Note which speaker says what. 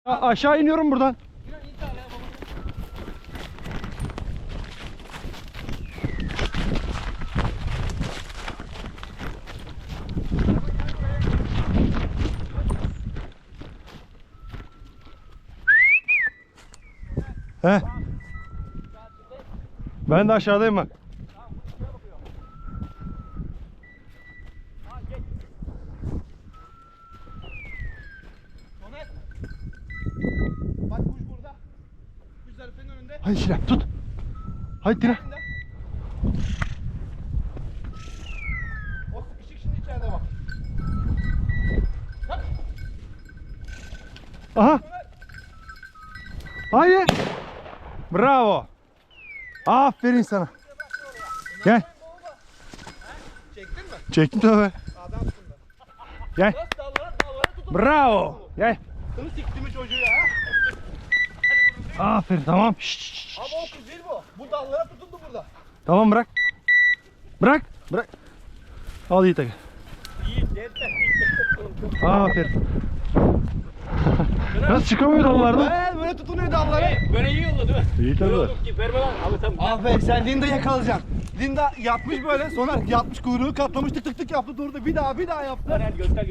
Speaker 1: Aşağı iniyorum buradan. He. Ben de aşağıdayım bak.
Speaker 2: Bak kuş burada. Kuş zarfının önünde.
Speaker 1: Hadi Şirem tut. Hadi Tire.
Speaker 2: O sıkışık şimdi içeride bak. Bak.
Speaker 1: Aha. Hayır. Bravo. Aferin sana. Gel.
Speaker 2: Çektin mi?
Speaker 1: Çektim tabii.
Speaker 2: Adamsın da.
Speaker 1: Gel.
Speaker 2: Dallara tutun.
Speaker 1: Bravo. Gel.
Speaker 2: Sını sikti mi çocuğu ya?
Speaker 1: Aferin tamam. Şşş.
Speaker 2: Ama o kuş değil bu. Bu dallara tutundu burada.
Speaker 1: Tamam bırak. Bırak. Bırak. Al Yiğit'e gel. Aferin. Nasıl çıkamıyor dallardan?
Speaker 2: Böyle tutunuyor dallara.
Speaker 3: Böyle iyi oldu değil mi?
Speaker 1: İyi tabii.
Speaker 3: Yok ki verme lan. Abi tamam.
Speaker 2: Ah be sen Linda yakalayacaksın. Linda yatmış böyle sonra yatmış kuyruğu katlamış tık tık tık yaptı durdu. Bir daha yaptı.
Speaker 3: Göster.